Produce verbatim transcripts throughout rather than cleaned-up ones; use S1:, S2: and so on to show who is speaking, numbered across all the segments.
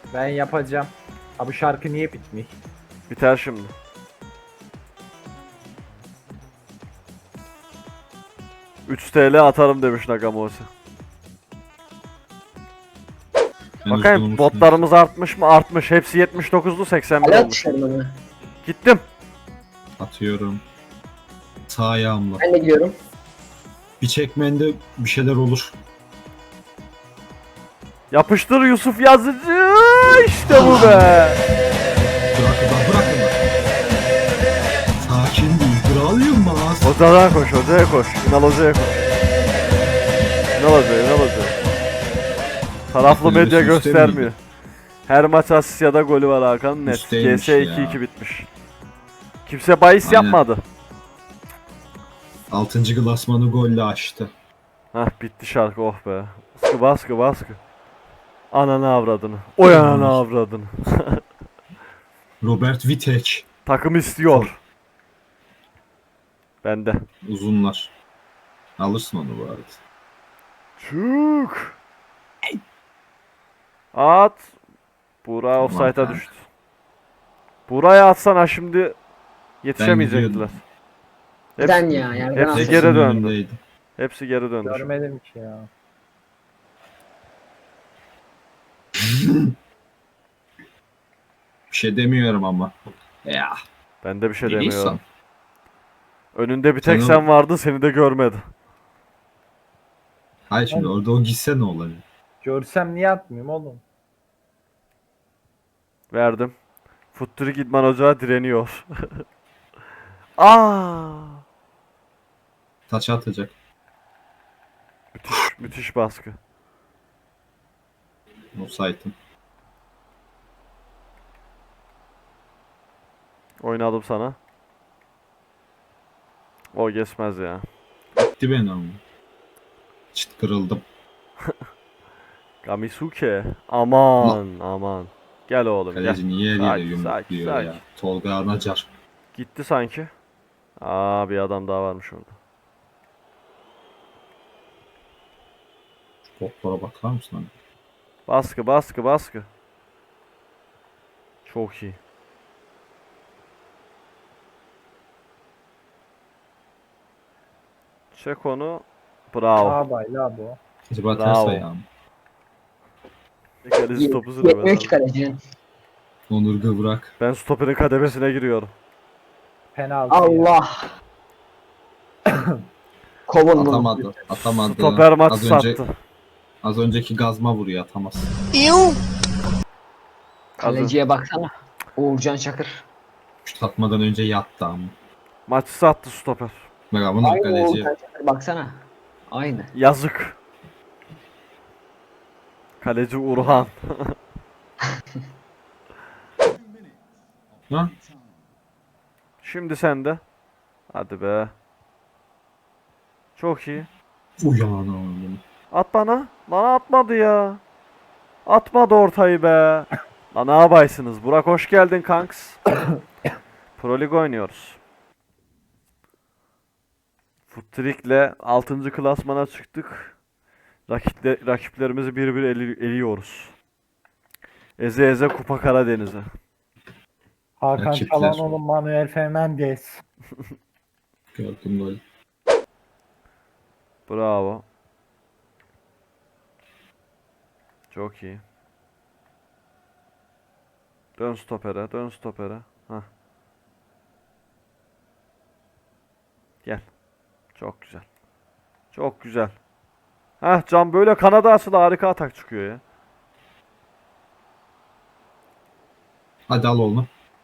S1: Ben yapacağım. Ha bu şarkı niye bitmiş?
S2: Biter şimdi. üç T L atarım demiş Nagamose.
S3: Ben
S2: Bakayım
S3: hızlı
S2: botlarımız artmış mı? Artmış. Hepsi yetmiş dokuzlu seksen bir
S4: Hala
S2: olmuş.
S4: atışlarım onu.
S2: Gittim.
S3: atıyorum. Sağ ayağımla.
S4: Ben de gidiyorum.
S3: Bir çekmende bir şeyler olur.
S2: Yapıştır Yusuf Yazıcı. İşte bu be.
S3: Bırakın lan bırakın lan. Sakin değil. Kral Yılmaz.
S2: Hocadan koş, hocaya koş. Ünal hocaya koş. Ünal hocaya, Ünal hocaya. Taraflı
S3: Öyle
S2: medya
S3: bir sistem
S2: göstermiyor.
S3: miydi?
S2: Her maç asist ya da golü var Hakan net.
S3: Üsteymiş
S2: G S iki
S3: ya.
S2: iki bitmiş. Kimse bahis
S3: Aynen.
S2: yapmadı.
S3: altıncı klasmanı golle açtı.
S2: Hah bitti şarkı oh be. Baskı baskı baskı. Ananı avradını. Oy ananı avradını.
S3: Robert Vitek.
S2: Takım istiyor. Bende.
S3: Uzunlar. Alırsın onu bu arada.
S2: Çık. At. Buğra
S3: Tamam
S2: offside'a
S3: kanka.
S2: düştü. Buğra'ya atsana şimdi yetişemeyecekler.
S3: gidiyordum.
S4: Neden ya? Yani ben
S2: hepsi
S4: aldım.
S2: geri döndü.
S3: önündeydi.
S2: Hepsi geri döndü.
S1: Görmedim ki ya.
S3: Bir şey demiyorum ama. Ya.
S2: Ben de bir şey
S3: Neyse.
S2: demiyorum. Önünde bir tek
S3: Sen o-
S2: sen vardın, seni de görmedi.
S3: Hayır şimdi orada o gitse ne olabilir?
S1: Görsem niye atmıyorum oğlum?
S2: Verdim. Futturik İdman Ocağı direniyor. Aa!
S3: Taç atacak.
S2: Müthiş, müthiş baskı.
S3: Offside'ın.
S2: Oynadım sana. O geçmez ya.
S3: Gitti beni ama. Çıt kırıldım.
S2: Gamisuke. Aman aman. Gel oğlum gel.
S3: Kaleci niye
S2: Sakin,
S3: eliyle
S2: sakin,
S3: yumrukluyor
S2: sakin.
S3: ya? Tolga Anacar.
S2: Gitti sanki. Aa bir adam daha varmış orada.
S3: Toplara bakar mısın lan?
S2: Baskı baskı baskı. Çok iyi. Çek onu. Bravo.
S1: Ağabey la bu.
S3: Acaba
S2: Bravo.
S3: ters ayağım.
S2: Kaleci topu sürüyor.
S4: Yetmiyor ki kalecinin.
S3: Onur Gıvrak.
S2: Ben stoperin kademesine giriyorum.
S1: Penaltı ya.
S4: Allah. Kovun bunu.
S3: Atamadı. Atamadı.
S2: Stoper maç
S3: az önce,
S2: sattı.
S3: az önceki gazma vuruyor atamaz.
S4: Kaleciye baksana. Uğurcan Çakır.
S3: Şut atmadan önce yattı ama.
S2: Maçı sattı stoper.
S3: Bak bunu
S4: Aynı
S3: kaleci.
S4: Uğurcan Çakır baksana. Aynı.
S2: Yazık. Kaleci Urhan.
S3: Ha?
S2: Şimdi sende. Hadi be. Çok iyi.
S3: Uyanım.
S2: At bana. Bana atmadı ya. Atmadı ortayı be. Lan ne yapaysınız? Burak hoş geldin kanks. Pro Lig oynuyoruz. Futtrik'le altıncı klasmana çıktık. Rakiple, rakiplerimizi bir bir eli, eliyoruz. Eze eze Kupa Karadeniz'e.
S1: Hakan
S3: Rakipler.
S1: Çalhanoğlu, Manuel Fernandes.
S3: Gördüm gol.
S2: Bravo. Çok iyi. Dön stopere, dön stopere. Hah. Gel. Çok güzel. Çok güzel. Hah Can böyle kanada asılı harika atak çıkıyor ya.
S3: Hadi al onu.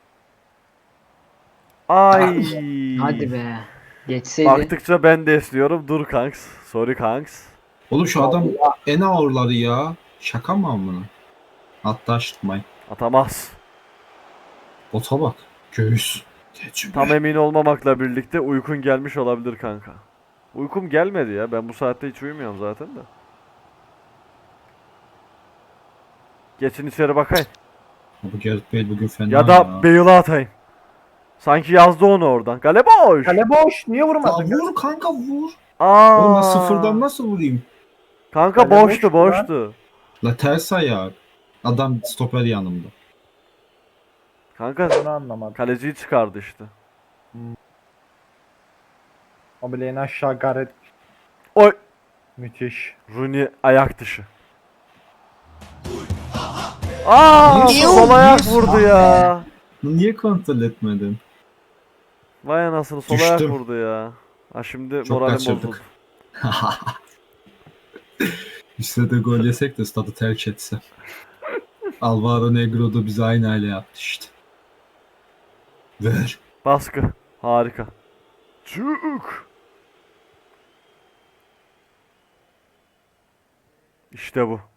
S2: Ay.
S4: Hadi be. Geçseydi.
S2: Baktıkça ben de esniyorum. Dur kanks. Sorry kanks.
S3: Oğlum şu adam en ağırları ya. Şaka mı amına? Hatta şıkmayın.
S2: Atamaz.
S3: Bota bak. Göğüs. Tecrübe.
S2: Tam emin olmamakla birlikte uykun gelmiş olabilir kanka. Uykum gelmedi ya. Ben bu saatte hiç uyumuyorum zaten de. Geçin içeri bakayım.
S3: Bu Gareth Bale bugün fena
S2: Ya da Bale'a atayım. Sanki yazdı onu oradan. Kale boş.
S1: Kale boş. Niye
S3: Ya
S1: vurmadın?
S3: vur kanka vur.
S2: Aa.
S3: Oğlum ben sıfırdan nasıl vurayım?
S2: Kanka
S1: Kale
S2: boştu
S1: boştu lan.
S2: boştu.
S3: La ters ayağı. Adam stoper yanımda.
S2: Kanka
S1: Bunu anlamadım.
S2: kaleciyi çıkardı işte.
S1: O bile en aşağı Gareth.
S2: Oy!
S1: Müthiş.
S2: Rooney ayak dışı. Aa,
S3: Niye
S2: sol
S3: o-
S2: ayak
S3: niye-
S2: vurdu
S3: Ah
S2: ya.
S3: Niye kontrol etmedin?
S2: Vay anasını, sol ayak
S3: Düştüm.
S2: vurdu ya. Ha şimdi
S3: Çok
S2: moralim
S3: kaçırdık.
S2: bozuldu.
S3: İşte de gol yesek de stadı terk etse. Alvaro Negro da bize aynı hale yaptı işte. Ver.
S2: Baskı. Harika. Çık. İşte bu.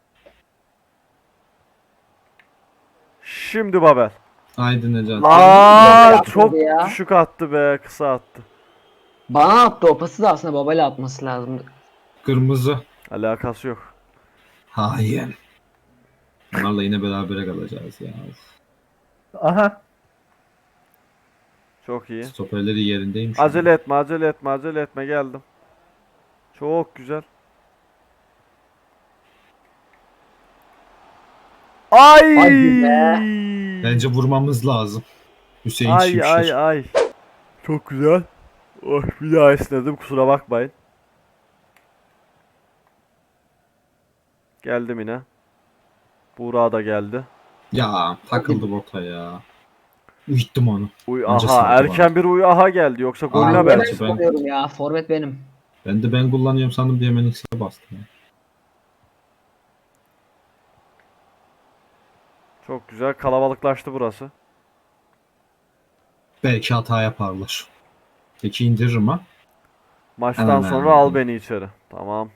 S2: Şimdi Babel.
S3: Haydi Necat.
S2: Aa,
S4: yapmadı
S2: çok
S4: ya.
S2: düşük attı be, kısa attı.
S4: Bana attı o pası da aslında babayla atması lazımdı.
S3: Kırmızı.
S2: Alakası yok.
S3: Hayır. Bunlarla yine berabere kalacağız ya.
S1: Aha.
S2: Çok iyi.
S3: Stoperleri yerindeymiş.
S2: Acele etme, acele etme, acele etme, geldim. Çok güzel. Ay!
S4: Hadi be.
S3: Bence vurmamız lazım. Hüseyin
S2: Ay
S3: Şimşek.
S2: ay ay. Çok güzel. Oh, bir daha esnedim, kusura bakmayın. Geldim yine. Buğra da geldi.
S3: Ya takıldı bota ya. Uyuttum onu.
S2: Uy
S3: Önce
S2: aha,
S3: sağdı
S2: erken bir uy aha geldi, yoksa
S3: Aa,
S2: golüne
S3: ben-
S4: Ben
S2: belki.
S3: ben-
S4: kullanıyorum ya. Forvet benim.
S3: Ben de ben kullanıyorum sandım diye hemen X'e bastım. Ya.
S2: Çok güzel, kalabalıklaştı burası.
S3: Belki hata yaparlar. Peki indiririm ha.
S2: Maçtan
S3: Hemen
S2: sonra
S3: hemen.
S2: al beni içeri. Tamam.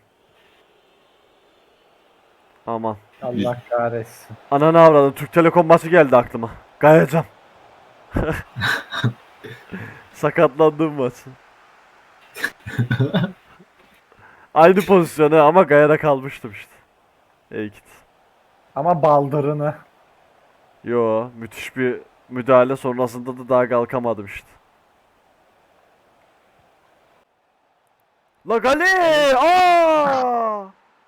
S2: Aman.
S1: Allah kahretsin.
S2: Ananı avradım. Türk Telekom maçı geldi aklıma. Gayecan. Sakatlandım maçı. Aynı pozisyonu ama Gaya'da kalmıştım işte. İyi git.
S1: Ama baldırını.
S2: Yo, müthiş bir müdahale sonrasında da daha kalkamadım işte. La Gali! Aa!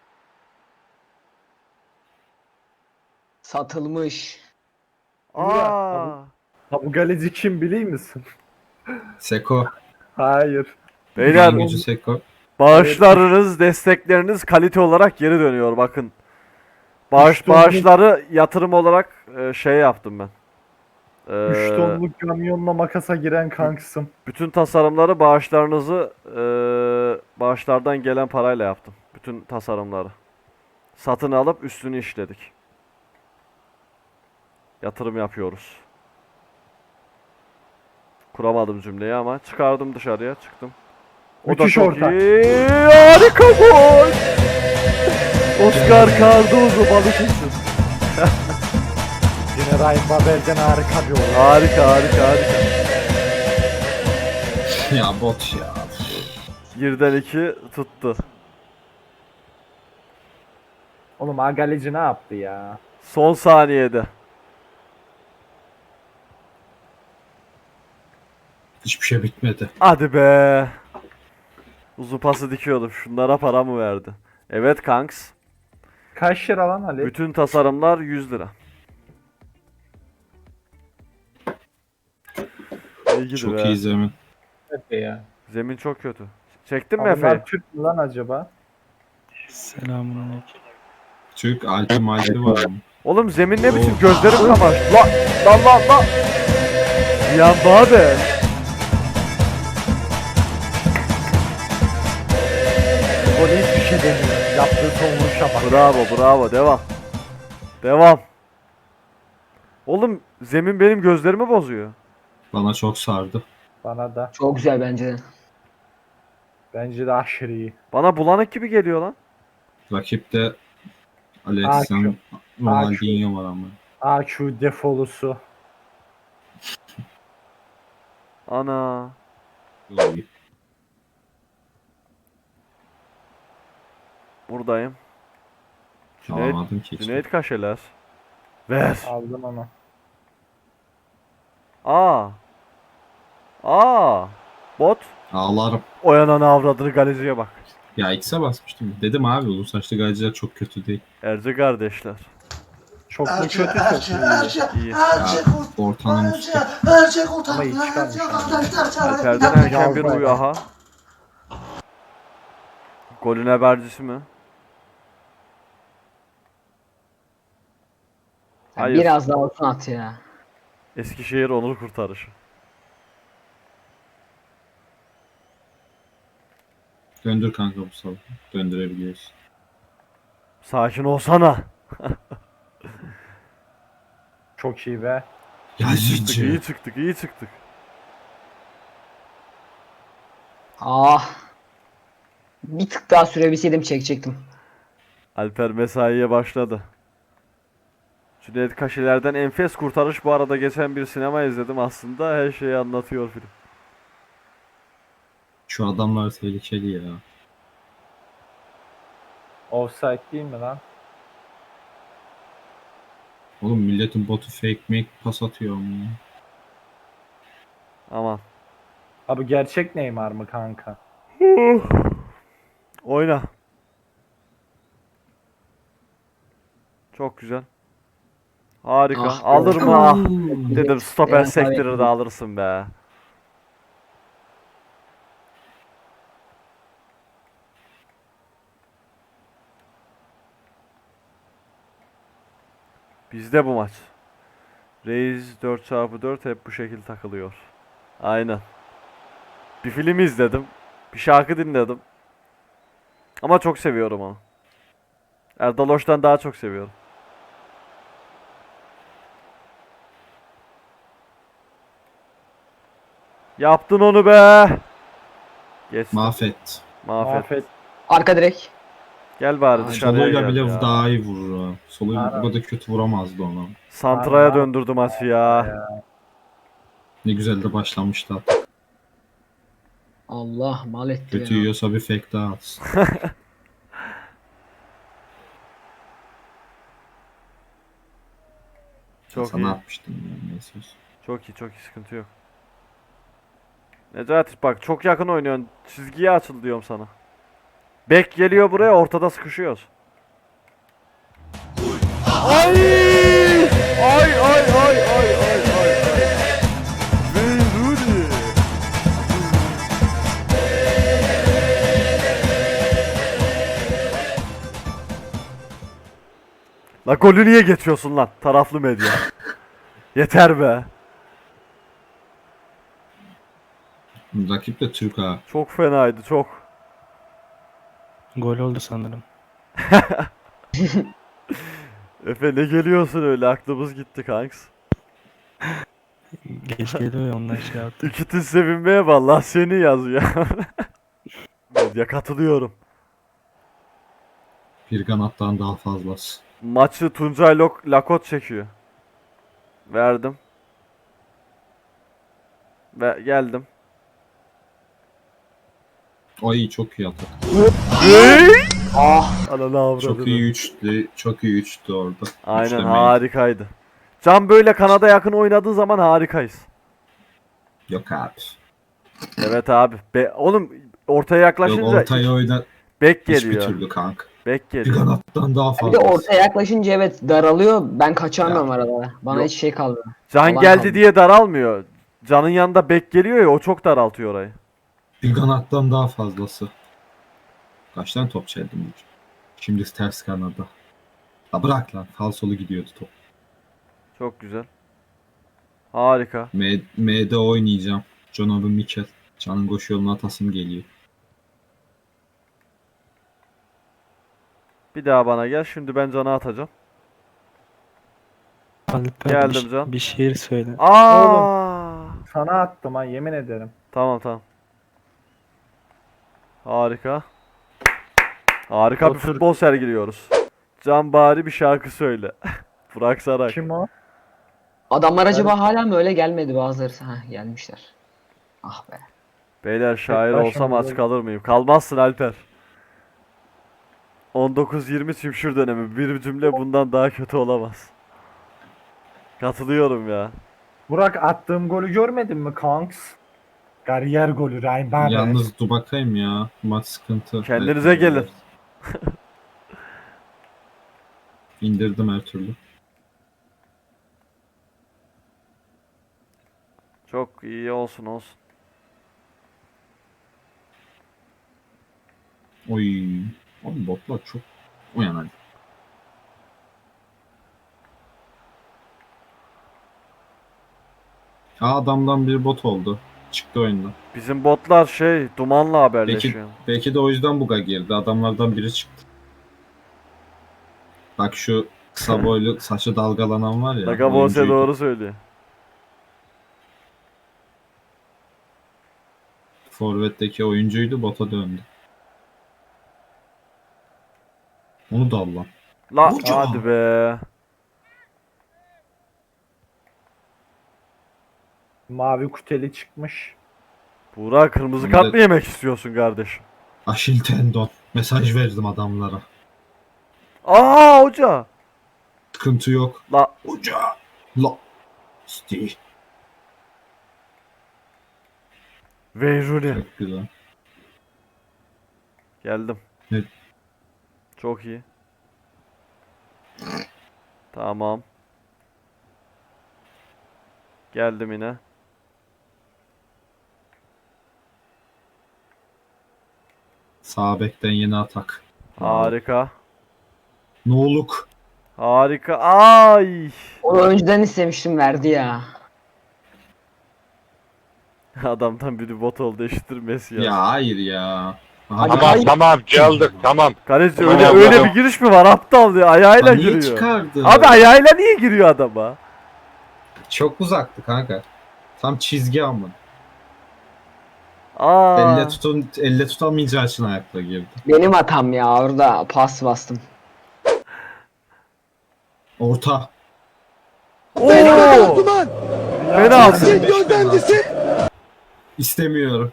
S4: Satılmış.
S2: Aa!
S1: Ha bu galeci kim biliyor musun?
S3: Seko.
S1: Hayır.
S2: Beyler,
S3: Gücü Seko.
S2: bağışlarınız, destekleriniz kalite olarak geri dönüyor, bakın. Bağış
S1: Üç tonluk-
S2: bağışları yatırım olarak e, şey yaptım ben.
S1: üç
S2: Ee,
S1: tonluk kamyonla makasa giren kanksım.
S2: Bütün tasarımları bağışlarınızı e, bağışlardan gelen parayla yaptım. Bütün tasarımları. Satın alıp üstünü işledik. Yatırım yapıyoruz. Kuramadım cümleyi ama çıkardım dışarıya, çıktım. O
S1: Müthiş
S2: çok
S1: orta.
S2: iyi. Harika gol. Oscar Cardozo Balıkesir.
S1: Yine Ryan Babel'den harika bir oyun.
S2: Harika harika harika.
S3: Ya bot ya.
S2: Birden iki tuttu.
S1: Oğlum ha galeci ne yaptı ya?
S2: Son saniyede.
S3: Hiçbir şey bitmedi.
S2: Hadi be. Uzun pası dikiyordum. Şunlara para mı verdi? Evet kanks.
S1: Kaç lira lan Ali?
S2: Bütün tasarımlar yüz lira. İyi gidi
S3: Çok
S2: be.
S3: iyi zemin.
S1: Efe ya.
S2: Zemin çok kötü. Çektin mi
S1: Ha,
S2: Efe'yi?
S1: bunlar Türk mü lan acaba?
S5: Selamünaleyküm.
S3: Türk altı malti var ama.
S2: Oğlum zemin ne biçim?
S3: Oo.
S2: Gözlerim kamaştı. La lan lan lan. Bir anda abi.
S1: O hiçbir şey demiyor. Yaptığı savunuşa bak.
S2: Bravo bravo, devam. Devam. Oğlum zemin benim gözlerimi bozuyor.
S3: Bana çok sardı.
S1: Bana da.
S4: Çok güzel bence de.
S1: Bence de aşırı iyi.
S2: Bana bulanık gibi geliyor lan.
S3: Rakipte Alexander Ronaldinho var ama.
S1: A Q defolusu.
S2: Ana. Buradayım. Cüneyt,
S3: Alamadım ki. hiç.
S2: Cüneyt Kaşeler. Ver.
S1: Aldım onu.
S2: Aa. Aa. Bot.
S3: Ağlarım.
S2: Oyanana avradını, galeciye bak.
S3: Ya X'e basmıştım. Dedim abi uzun saçlı gayciler çok kötü değil.
S2: Erce kardeşler.
S1: Çok mu
S5: Erçe,
S1: kötü çok
S5: Erçe,
S1: mu
S5: Erçe,
S1: iyi? İyi.
S5: Erçe kurt.
S3: Ortanın
S5: Erçe,
S3: üstü.
S5: Erçe kurt.
S1: Ama iyi çıkarmış
S5: Erçe
S1: yani.
S5: arkadaşlar.
S2: Alper'den erken bir uyu aha. Golün habercisi mi?
S4: Ya
S2: Hayır.
S4: biraz daha olsun at ya.
S2: Eskişehir onur kurtarışı.
S3: Döndür kanka bu sabah. Döndürebiliyorsun.
S2: Sakin olsana.
S1: Çok iyi be.
S2: Çıktık, iyi
S3: Yazıcı.
S2: çıktık, iyi çıktık.
S4: Ah. Bir tık daha sürebilseydim çekecektim.
S2: Alper mesaiye başladı. Cüneyt Kaşiler'den enfes kurtarış, bu arada geçen bir sinema izledim, aslında her şeyi anlatıyor film.
S3: Şu adamlar tehlikeli ya.
S1: Offside değil mi lan?
S3: Oğlum milletin botu fake make pas atıyor mu?
S2: Aman.
S1: Abi gerçek Neymar mı kanka?
S2: Oyna. Çok güzel. Harika.
S4: Ah be.
S2: Alır mı? Ah. Dedim stoper
S4: Yani
S2: sektirir
S4: tabii.
S2: de alırsın be. Bizde bu maç. Reis dört çarpı dört hep bu şekil takılıyor. Aynen. Bir film izledim. Bir şarkı dinledim. Ama çok seviyorum onu. Erdal Hoç'tan daha çok seviyorum. Yaptın onu be. Geçti.
S3: Mahvet.
S2: Mahvet.
S1: Mahvet.
S4: Arka direk.
S2: Gel bari
S3: Ay,
S2: dışarıya
S3: Soluyla
S2: gel
S3: bile
S2: ya.
S3: daha iyi vurur ha. Solu
S1: Aynen.
S3: bu kadar kötü vuramazdı ona.
S2: Santra'ya
S1: Aynen.
S2: döndürdü maçı ya.
S3: Ne güzel de başlamıştı hatta.
S4: Allah mal etti
S3: Kötü
S4: ya.
S3: yiyorsa bir fake daha atsın.
S2: Çok
S3: Sana
S2: iyi.
S3: atmıştım ya. Neyse.
S2: Çok iyi, çok iyi, sıkıntı yok. Necati bak çok yakın oynuyorsun. Çizgiye açıl diyorum sana. Bek geliyor buraya, ortada sıkışıyoruz. Ay! Ay ay ay ay ay ay. Beyrudi. La golü niye geçiyorsun lan taraflı medya? Yeter be.
S3: Rakip de Türk ha.
S2: Çok fenaydı çok.
S6: Gol oldu sanırım.
S2: Efe ne geliyorsun öyle, aklımız gitti kanks.
S6: Geç geliyor ya ondan şey yaptım.
S2: İkitin sevinmeye vallahi seni yazıyor. Ya katılıyorum.
S3: Bir kanattan daha fazlası.
S2: Maçı Tuncay Lok Lakot çekiyor. Verdim. Ve geldim.
S3: Ay çok iyi atak.
S4: Ah.
S2: Ananı avradı.
S3: Çok iyi üçlü, çok iyi üçtü orada.
S2: Aynen,
S3: Üçlemeyi.
S2: harikaydı. Can böyle kanada yakın oynadığı zaman harikayız.
S3: Yok abi.
S2: Evet abi. Be oğlum ortaya
S3: Yok
S2: yaklaşınca
S3: ortaya oyna
S2: bek
S3: hiçbir
S2: geliyor.
S3: türlü kanka.
S2: Bek
S3: Bir
S2: geliyor.
S3: kanattan daha
S4: Bir de
S3: fazlası.
S4: ortaya yaklaşınca evet daralıyor. Ben kaçamıyorum
S3: Ya.
S4: arada. Bana
S2: Yok.
S4: hiç şey kalmıyor.
S2: Can
S4: Alan
S2: geldi
S4: kaldı.
S2: diye daralmıyor. Can'ın yanında bek geliyor ya, o çok daraltıyor orayı.
S3: Bir kanattan daha fazlası. Kaç tane top çeldim? Şimdi ters kanada. Ha bırak lan. Falsolu gidiyordu top.
S2: Çok güzel. Harika.
S3: M M'de oynayacağım. Jonathan Mikel. Can'ın koşu yoluna atasım geliyor.
S2: Bir daha bana gel. Şimdi ben Can'a atacağım.
S6: Alper
S2: Geldim
S6: bir,
S2: can.
S6: bir şiir söyle.
S2: Aa!
S1: Sana attım ha, yemin ederim.
S2: Tamam tamam. Harika. Harika bir
S1: Otur.
S2: futbol sergiliyoruz. Can bari bir şarkı söyle. Burak Saray.
S1: Kim o?
S4: Adamlar acaba hala mı öyle gelmedi bazıları? Ha gelmişler. Ah be.
S2: Beyler şair
S1: başım
S2: olsam aç
S1: böyle.
S2: kalır mıyım? Kalmazsın Alper. on dokuz yirmi çimşir dönemi. Bir cümle bundan daha kötü olamaz. Katılıyorum ya.
S1: Burak, attığım golü görmedin mi kanks? Kariyer golü Ryan Babel.
S3: Yalnız dur bakayım ya. Maç sıkıntı.
S2: Kendinize
S3: Evet,
S2: gelin.
S3: evet. İndirdim her türlü.
S2: Çok iyi olsun olsun.
S3: Oy. Oğlum botlar çok uyan hadi. Aa, adamdan bir bot oldu. Çıktı oyundan.
S2: Bizim botlar şey dumanla
S3: Belki,
S2: haberleşiyor.
S3: belki de o yüzden buga girdi. Adamlardan biri çıktı. Bak şu kısa boylu saçı dalgalanan var ya.
S2: Nagabose
S3: oyuncuydu.
S2: doğru söylüyor.
S3: Forvet'teki oyuncuydu, bota döndü. Onu da al lan.
S2: La
S3: Hoca!
S2: hadi be.
S1: Mavi kuteli çıkmış.
S2: Buğra kırmızı
S3: Bir
S2: kart
S3: de-
S2: mı yemek istiyorsun kardeşim?
S3: Aşil tendon. Mesaj verdim adamlara.
S2: Aa hoca.
S3: Sıkıntı yok.
S2: La
S3: Hoca! La! Steve.
S2: Veyruni.
S3: Çok güzel.
S2: Geldim.
S3: Evet.
S2: Çok iyi. Tamam. Geldim yine.
S3: Sağ bekten yeni atak.
S2: Harika.
S3: No'luk.
S2: Harika. Ay.
S4: Onu önceden istemiştim, verdi ya.
S2: Adamdan biri bot oldu eşittir Messi ya.
S3: Ya hayır ya.
S4: Hadi
S3: Aha,
S4: kay-
S5: Tamam tamam geldik tamam.
S2: Kaleci
S5: Tamam,
S2: öyle
S5: tamam.
S2: öyle bir giriş mi var aptal diye ayağıyla
S3: niye
S2: giriyor.
S3: çıkardı?
S2: Abi ayağıyla niye giriyor adama?
S3: Çok uzaktı kanka. Tam çizgi ama.
S2: Aa.
S3: Elle tutun, elle tutamayacağı için ayakla girdi.
S4: Benim hatam ya, orada pas bastım.
S3: Orta.
S2: Oo. Penaltı.
S3: İstemiyorum.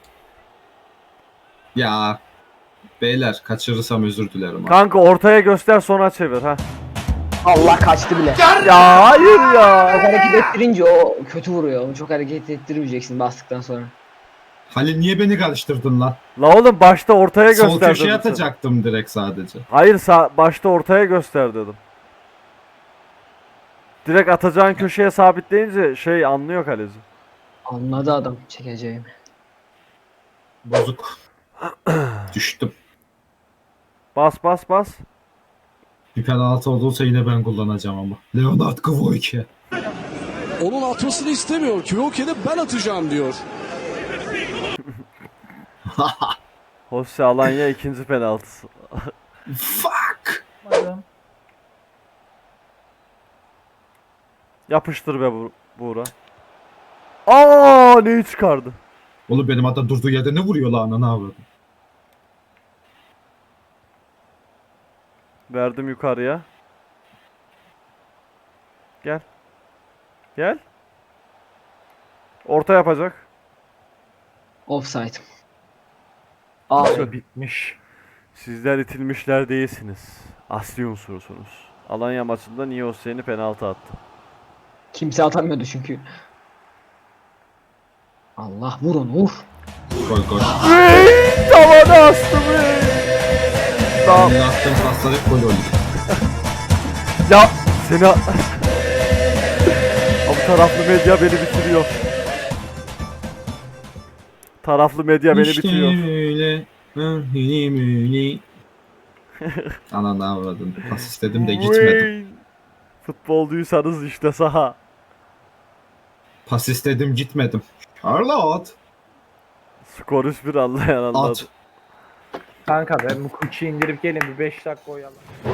S3: Ya. Beyler kaçırırsam özür dilerim. abi.
S2: Kanka ortaya göster sonra çevir ha.
S4: Allah, kaçtı bile.
S2: Ya hayır ya.
S4: Çok hareket ettirince o kötü vuruyor. Onu çok hareket ettirmeyeceksin bastıktan sonra.
S3: Halil niye beni karıştırdın lan?
S2: La oğlum başta ortaya
S3: Sol
S2: göster
S3: köşeye
S2: dedim sana.
S3: atacaktım direkt sadece.
S2: Hayır sağ, başta ortaya göster dedim. Direkt atacağın köşeye sabitleyince şey anlıyor kaleci.
S4: Anladı adam çekeceğimi.
S3: Bozuk. Düştüm.
S2: Bas bas bas.
S3: Bir penaltı olursa yine ben kullanacağım ama. Leonard Kvoyke.
S7: Onun atmasını istemiyor. Kyoke'de ben atacağım diyor.
S2: Jose Alanya ikinci penaltısı.
S3: Fuck.
S2: Yapıştır be Bu- Buğra. Aa neyi çıkardı?
S3: Oğlum benim adam durduğu yerde ne vuruyor lan ananı avradım.
S2: Verdim yukarıya. Gel. Gel. Orta yapacak.
S4: Offside. Aa,
S1: Abi bitmiş.
S2: Sizler itilmişler değilsiniz. Asli unsursunuz. Alanya maçında Niye Hüseyin'i penaltı attı.
S4: kimse atamıyordu çünkü. Allah, vur onu, vur.
S3: Gol gol.
S2: Hey, tavana astı be. Tamam.
S3: Benim attığım paslar hep gol oldu.
S2: Ya seni... Abi taraflı medya beni bitiriyor. Taraflı medya beni
S3: İşte
S2: bitiriyor.
S3: öyle. Mühini mühini. Ananı avradım. Pas istedim de gitmedim.
S2: Wayne. Futbolcuysanız işte saha.
S3: Pas istedim gitmedim. Charlotte.
S2: Skor üç bir anlayan anladı.
S3: At.
S1: Kanka ben bu kuçu indirip gelin bir beş dakika oyalan.